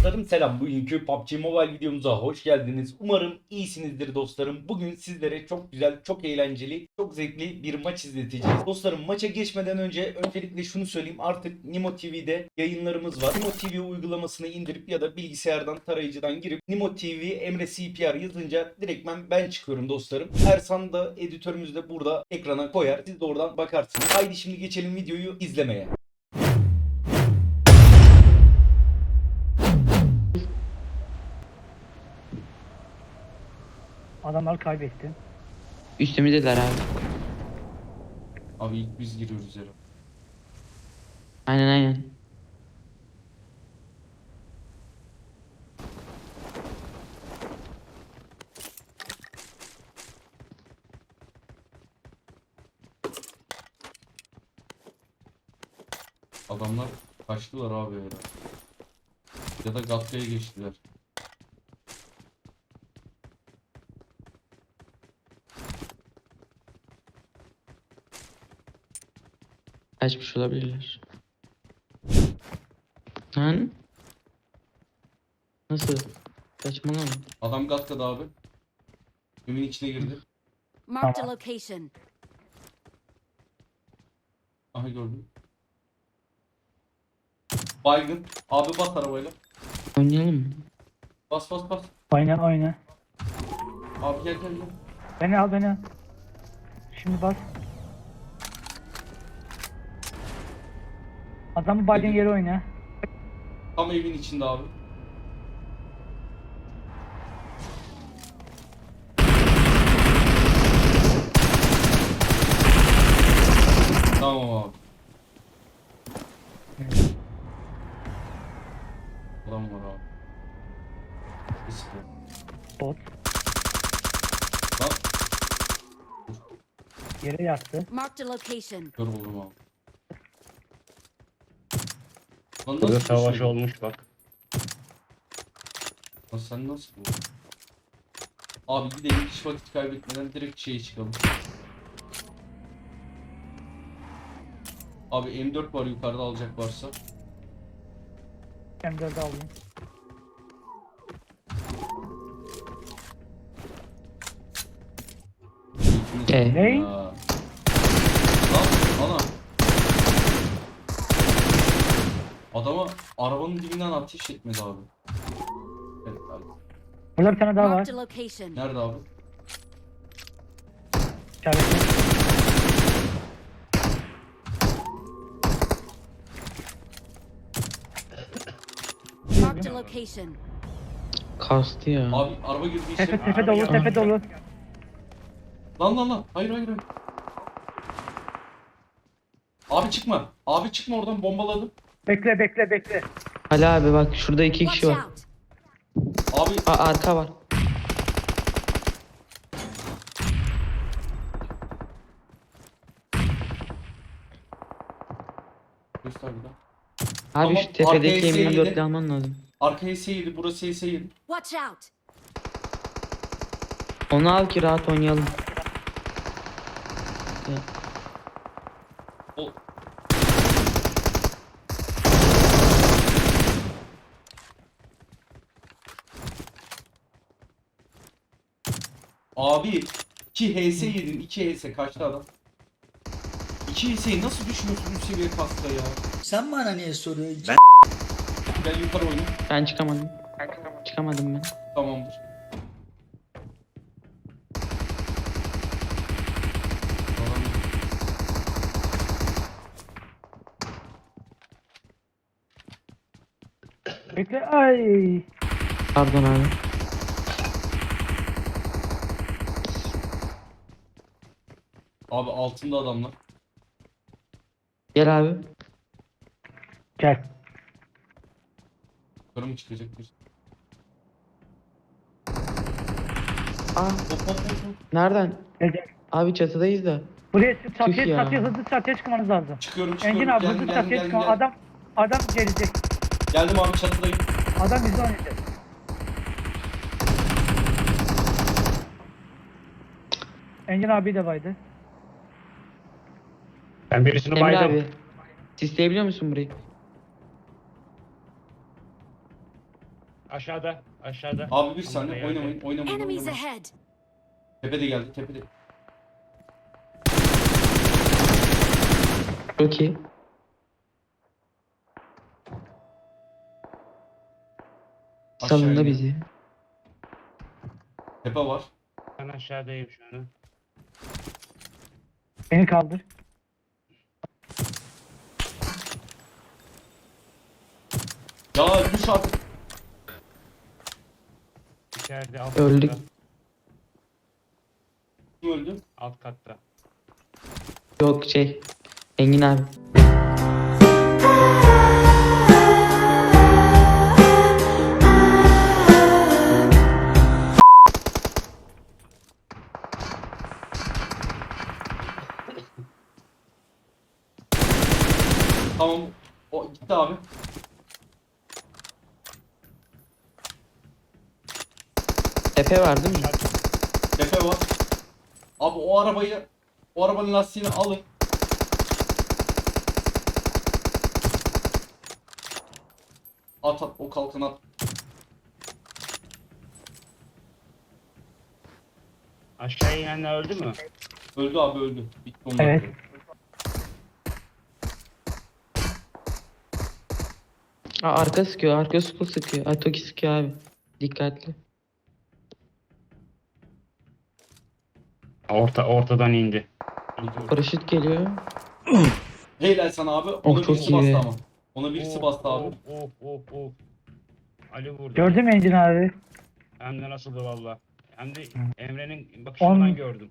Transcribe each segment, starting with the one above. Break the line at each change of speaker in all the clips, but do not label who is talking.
Dostlarım selam. Bugünkü PUBG Mobile videomuza hoş geldiniz. Umarım iyisinizdir dostlarım. Bugün sizlere çok güzel, çok eğlenceli, çok zevkli bir maç izleteceğiz. Dostlarım maça geçmeden önce öncelikle şunu söyleyeyim. Artık Nimo TV'de yayınlarımız var. Nimo TV uygulamasını indirip ya da bilgisayardan tarayıcıdan girip Nimo TV Emre CPR yazınca direktmen ben çıkıyorum dostlarım. Ersan da editörümüz de burada ekrana koyar. Siz de oradan bakarsınız. Haydi şimdi geçelim videoyu izlemeye.
Adamlar kaybetti.
Üstümüzdeler abi.
Abi ilk biz giriyoruz yere.
Aynen.
Adamlar kaçtılar abi herhalde. Ya da Gatka'ya geçtiler.
Kaçmış olabilirler. Lan? Nasıl? Saçmalama.
Adam Gatka'da abi. Evin içine girdi.
Marked a location.
Aha gördüm. Baygın. Abi bas arabayla.
Oynayalım mı?
Bas.
Oyna.
Abi gel.
Beni al. Şimdi bas. Adamı baydığın yere oyna.
Tam evin içinde abi. Tamam abi. Adam var abi. Bir sıkı.
Bot.
Lan
Yere yattı.
Marked a location.
kör oldum abi. Lan
Burada
nasıl
savaş
düşürdün?
olmuş bak.
Lan sen nasıl bu? Abi gidelim hiç vakit kaybetmeden direkt şeye çıkalım. Abi M4 var yukarıda alacak varsa.
M4'ü alayım. Ne?
Ya. Lan ana. Adama arabanın dibinden ateş etmedi abi. Evet abi.
Burada bir tane daha var.
Marked a location.
Nerede abi?
İşaretli.
Marked a location.
Kastı ya.
Abi araba girdi
Tepe
içeri.
tepe dolu, tepe dolu.
Lan. Hayır. Abi çıkma. Abi çıkma oradan bombaladım.
Bekle.
Ali abi bak şurada iki
Watch
kişi var.
out.
Abi
Arka var.
göster bir daha.
Abi
Tamam,
şu tepedeki
arkaya
M24'lü
seyredin.
alman lazım.
Arkaya S7 burası S7.
Watch out.
Onu al ki rahat oynayalım. Ya,
O... Abi 2 HS yedin 2 HS kaçtı adam? 2 HS'yi nasıl düşmüyorsun 3 seviye kasta ya?
Sen bana niye soruyorsun?
Gel yukarı oyna.
ben çıkamadım. Çıkamadım ben.
Tamamdır.
Bekle. Ay.
Pardon abi.
Abi altında adamlar.
Gel abi.
Gel.
Yukarı mı çıkacak bir? Hop.
Nereden?
Gel.
Abi çatıdayız da.
Buraya
Tüh
çatıya
ya.
hızlı çatıya çıkmanız lazım.
Çıkıyorum.
Engin abi
Geldim,
hızlı çatıya çıkma. Adam gelecek.
Geldim abi çatıdayım.
Adam bizi oynayacak. Engin abi de baydı.
Ben birisini
Emre
baydım.
abi. Sisleyebiliyor musun burayı?
Aşağıda. Aşağıda.
Abi bir
Tam
saniye
oraya
oynamayın,
geldi.
oynamayın,
Enemies
oynamayın.
ahead.
Tepede geldi, tepede.
Çok iyi.
Aşağı
Salında
iniyor.
bizi.
Tepe var.
Ben aşağıdayım şu an.
Beni kaldır.
Ya düş artık.
İçeride alt
Öldük.
katta.
Kim öldü?
Alt katta.
Yok şey. Engin abi.
Tamam. O gitti abi.
Tepe var değil mi?
Tepe var. Abi o arabanın lastiğini alın. At o kalkın at.
Aşağıya inenler öldü mü?
Öldü abi öldü. Bitti onlar.
Evet.
Aa, arka sıkıyor. Arka sıkıyor. Ay Toki sıkıyor abi. Dikkatli.
Ortadan indi.
Paraşüt geliyor.
Helal sana abi. Ona
çok
birisi
iyi
bastı
be.
ama. Ona birisi bastı abi.
Of. Ali vurdu.
Gördün mü Engin abi?
Hem de nasıldı valla. Hem de Emre'nin
On-
bakışından gördüm.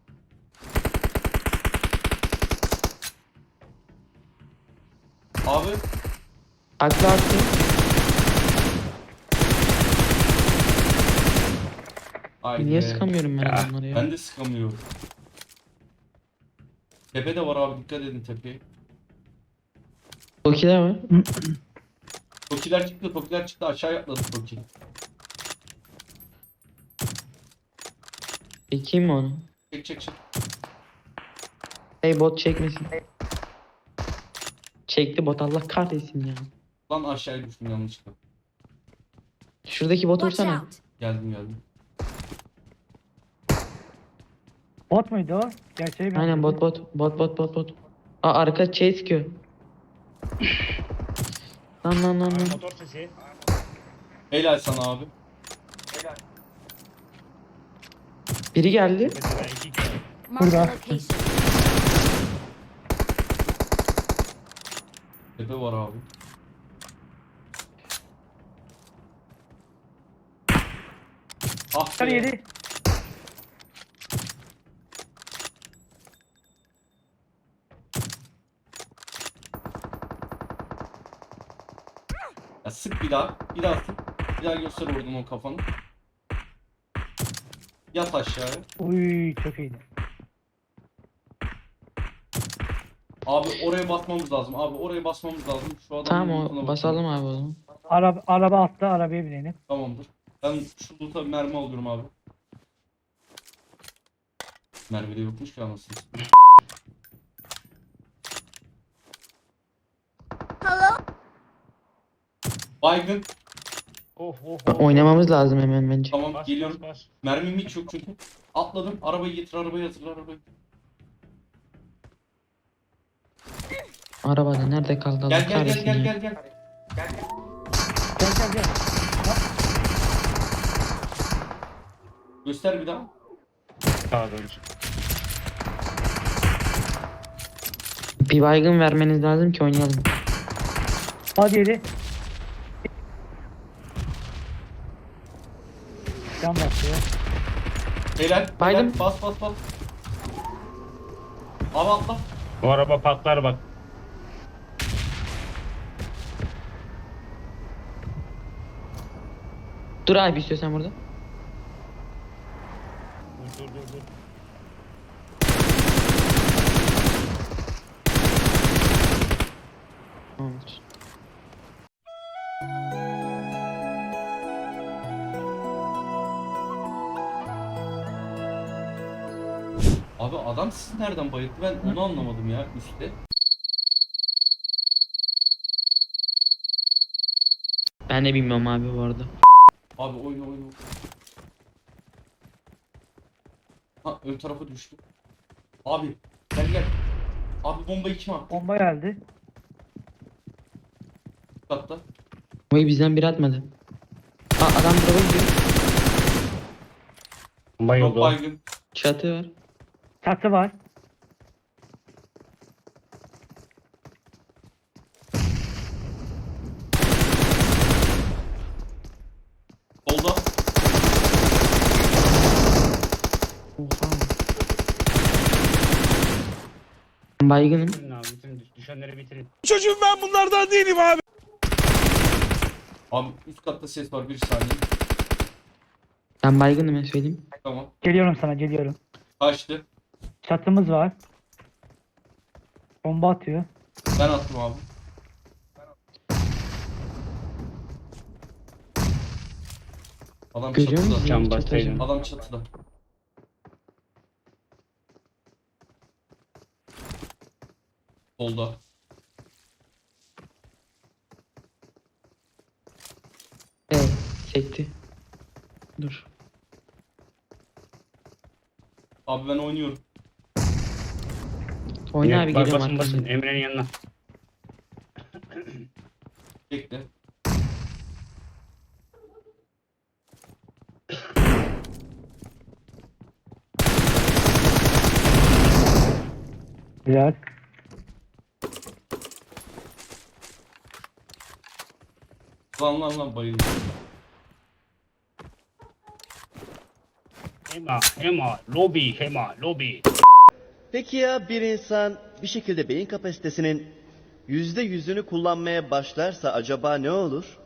Abi
Aklı attı.
haydi
Niye
be.
sıkamıyorum ben
Ya.
onları ya?
Ben de sıkamıyorum. Tepe de var abi, dikkat edin tepeye.
Toki de var.
Tokiler çıktı aşağıya atladı Toki.
Çekeyim mi onu?
Çek.
Hey bot çekmesin. Çekti bot Allah kahretsin ya.
Lan aşağıya düştüm yanlışlıkla.
Şuradaki bot
Watch
vursana.
out.
Geldim.
Bot muydu o? Gerçeği mi?
Aynen bot. Aa arka şey sıkıyor. Lan.
Motor sesi.
Helal sana abi.
Biri geldi.
Mesela 2 kişi.
Mark the
Burada.
location.
Tepe var abi. Ah
Çıkar
be.
yedi.
Ya sık bir daha. Bir daha sık. Bir daha göster oradan o kafanı. Yat aşağıya.
Uy çok iyiydi.
Abi oraya basmamız lazım. Şu adamın
Tamam
lootuna
o
bakalım.
basalım abi o zaman.
Araba altta, arabaya binelim.
Tamamdır. Ben şu loot'a mermi alıyorum abi. Mermi de yokmuş ki anasını. Baygın.
Of.
Oynamamız lazım hemen bence.
Tamam
Bas,
geliyorum.
bas.
Mermim hiç yok çünkü. Atladım. Arabayı getir, hazırla arabayı.
Arabada nerede kaldı Allah
Gel
kahretsin ya.
gel.
Gel.
Göster bir daha.
Sağa doğru çık.
Bir baygın vermeniz lazım ki oynayalım.
Hadi yedi. Can basıyor.
Helal.
Baygın.
Bas. Abi atla.
Bu araba patlar bak.
Dur abi istiyorsan burada.
Dur.
Tamamdır.
Abi adam sizi nereden bayılttı ben onu anlamadım ya üstte.
Ben de bilmiyorum abi bu arada.
Abi oyna. Ha ön tarafa düştü. Abi gel. Abi bombayı kim attı?
Bomba geldi.
Katta.
Bombayı bizden biri atmadı. Adam drop'a gidiyor.
Bayıldı.
Yok baygın.
Çatı var.
Çatı var.
Solda.
Oha. Baygınım.
Bitirin abi bitirin. Düşenleri bitirin.
Abi üst katta ses var, bir saniye.
Ben baygınım ya söyleyeyim.
Tamam.
Geliyorum sana, geliyorum.
Kaçtı.
Çatımız var. Bomba atıyor.
Ben attım abi. Adam
Görüyor
çatıda.
musun?
Can
Çatıda.
bassaydın.
Adam çatıda. Solda.
Evet. Sekti. Dur.
Abi ben oynuyorum.
Oyna abi geliyorum
Basın basın
arkadaşlar.
Emre'nin yanına.
Bekle.
Güzel.
Lan bayıldım.
Hema, lobi.
Peki ya bir insan bir şekilde beyin kapasitesinin %100'ünü kullanmaya başlarsa acaba ne olur?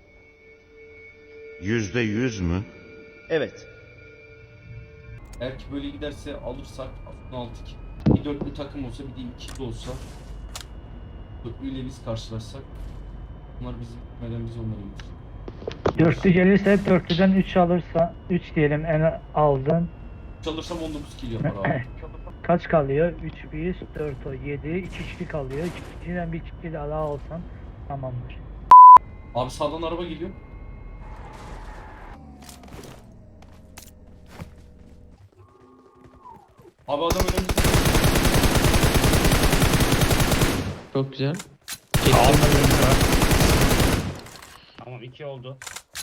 %100 mü?
Evet.
Eğer ki böyle giderse alırsak aslında 6-2. Bir dörtlü takım olsa, bir de ikili olsa. Dörtlüyle biz karşılaşsak. Bunlar bizi gitmeden biz onları yürür.
Dörtlü gelirse dörtlüden 3 alırsa 3 diyelim en aldın.
Çalırsam 19 kill yapar abi.
Kaç kalıyor? 3, 1, 4, 7, 2 kişi kalıyor. 2 kişiden bir kişi daha alsan tamamdır.
Abi sağdan araba geliyor. Abi adam önümüzde.
Çok güzel.
Tamam 2 oldu.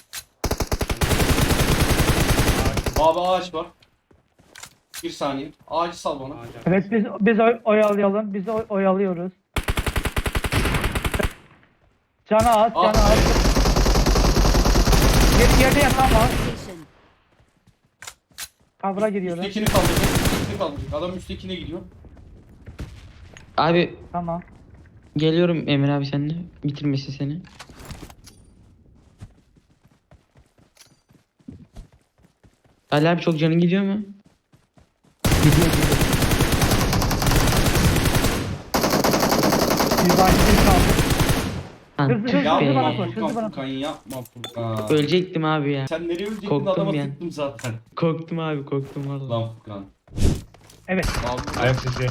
Abi ağaç var. Bir saniye. Ağacı sal bana.
Evet biz oyalayalım. Biz oyalıyoruz. Canı at,
Ah.
canı at. Yerde yatan var.
Location.
Kavra giriyoruz.
Üsttekini kaldıracak. Üsttekini kaldıracak. Adam üsttekine gidiyor.
Abi
Tamam.
geliyorum Emre abi seninle. Bitirmesin seni. Ali abi çok canın gidiyor mu?
Bir başlık kaldı.
Lan
Hızlı,
tüh
hızlı,
be.
hızlı bana koş.
Furkan,
hızlı bana
Furkan yapma Furkan.
Ölecektim abi ya.
Sen nereye ölecektin,
Korktum
adama
yani.
sıktım zaten.
Korktum abi korktum valla.
Lan Furkan.
Evet.
Abi
Ayak sesi.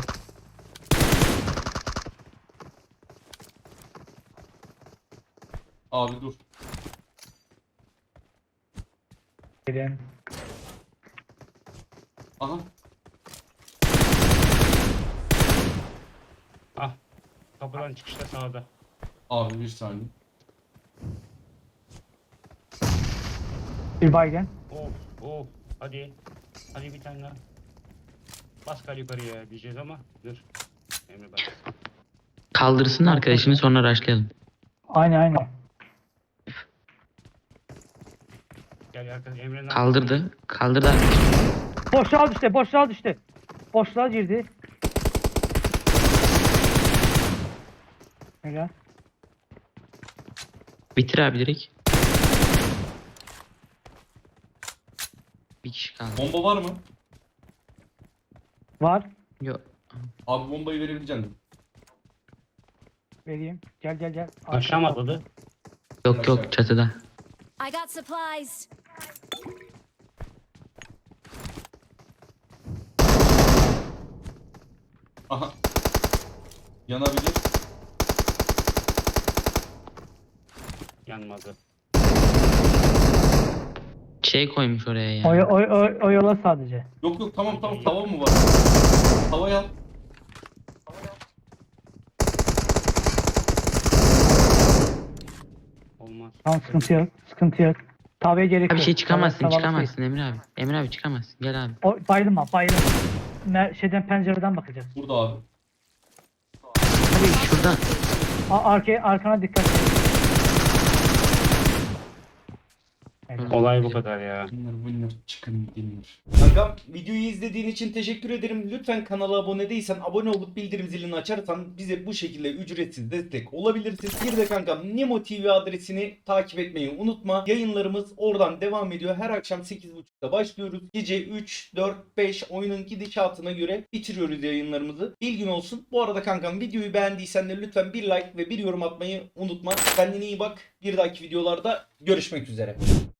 Abi dur.
Gelin.
Aha.
Ah. Kapıdan çıkışta sağda.
Abi bir saniye.
Bir baygın.
Of. Hadi. Hadi bir tane daha. Bas kal yukarıya diyeceğiz ama dur. Emre bak.
Kaldırsın arkadaşını sonra rushlayalım.
Aynen.
Gel arkadaş Emre'nin
Kaldırdı. Kaldırdı arkadaşını.
Boşluğa düştü. Boşluğa girdi. Helal.
Bitir abi direkt. Bir kişi kaldı.
Bomba var mı?
Var.
Yok.
Abi bombayı verebilecek misin?
Vereyim. Gel.
Aşağı mı atladı?
Yok çatıda.
I got supplies.
Aha. Yanabilir.
Yanmadı.
Şey koymuş oraya ya.
O yola sadece.
Yok yok, tamam tamam, tava mı var? Tavayı al.
Olmaz.
Tamam, sıkıntı yok. Sıkıntı yok. Tavaya gerek
Abi
yok.
şey çıkamazsın
Tavalı
çıkamazsın Emre abi. Emre abi çıkamazsın. Gel abi.
O, bayılma. Şeyden, pencereden bakacağız.
Burada abi.
Abi şuradan.
Arkana dikkat et. Evet.
Olay bu kadar ya.
Winner çıkın dinler. Kankam, videoyu izlediğin için teşekkür ederim. Lütfen kanala abone değilsen abone olup bildirim zilini açarsan bize bu şekilde ücretsiz destek olabilirsin. Bir de kankam Nemo TV adresini takip etmeyi unutma. Yayınlarımız oradan devam ediyor. Her akşam 8.30'da başlıyoruz. Gece 3, 4, 5 oyunun gidişatına göre bitiriyoruz yayınlarımızı. Bilgin olsun. Bu arada kankam, videoyu beğendiysen de lütfen bir like ve bir yorum atmayı unutma. Kendine iyi bak. Bir dahaki videolarda görüşmek üzere.